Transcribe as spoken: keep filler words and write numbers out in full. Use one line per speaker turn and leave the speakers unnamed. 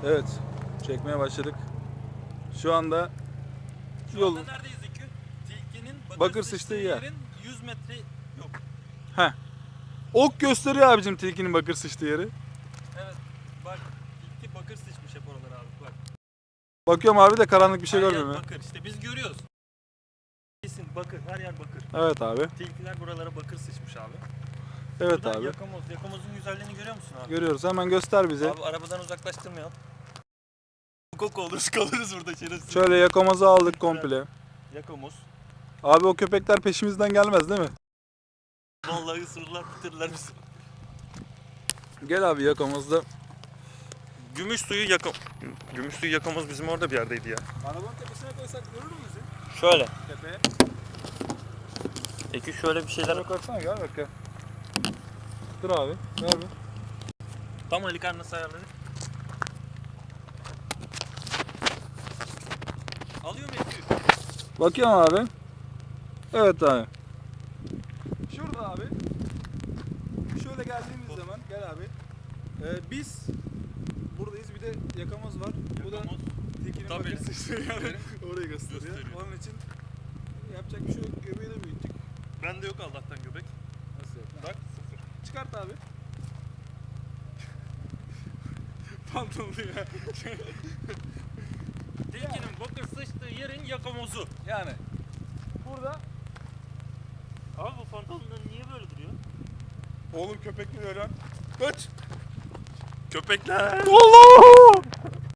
Evet, çekmeye başladık. Şu anda
Şu
yol
anda neredeyiz İlkü? Tilkinin bakır,
Bakır
sıçtığı
sıçtığı yer.
yerin yüz metre yok.
Heh. Ok gösteriyor abicim tilkinin bakır sıçtığı yeri.
Evet. Bak tilki bakır sıçmış hep oralara abi bak.
Bakıyorum abi de karanlık bir şey
Her yer
görmüyorum. ya.
bakır. İşte biz görüyoruz. Kesin bakır. Her yer bakır.
Evet abi.
Tilkiler buralara bakır sıçmış abi.
Evet
Burada
abi.
yakamoz. Yakamozun güzelliğini görüyor musun abi?
Görüyoruz. Hemen göster bize.
Abi arabadan uzaklaştırmayalım. Koku oluruz kalırız burada şerefsiz.
Şöyle yakamazı aldık komple.
Yakamoz.
Abi o köpekler peşimizden gelmez değil mi?
Vallahi ısırırlar bitirdiler bizi.
Gel abi yakamazda.
Gümüş suyu yakam... Gümüş suyu yakamoz bizim orada bir yerdeydi ya.
Arabanın tepesine koysak görür mü bizi?
Şöyle.
Tepeye.
Peki şöyle bir şeyler...
Şöyle koysana gel bak. Dur abi. Ver bir.
Tam Alikan nasıl ayarladık? Alıyor mu Ekü?
Bakıyorum abi. Evet abi. Şurada abi. Şöyle geldiğimiz zaman gel abi. Ee, biz buradayız. Bir de yakamaz var. Bu da
Yakamoz.
tekinin
Tabii.
bakır sıçtığı yani. Orayı gösteriyor.
Gösteriyor.
Onun için yapacak bir şey yok. Göbeği de büyüttük.
Bende yok Allah'tan göbek.
Nasıl yok?
Bak sıfır.
Çıkart abi. Pantolonu ya.
Tilkinin bakır sıçtığı yerin yakamozu.
Yani. Burada.
Abi bu pantolonlar niye böyle duruyor?
Oğlum köpek mi öyle? Kaç.
Köpekler.
Allah!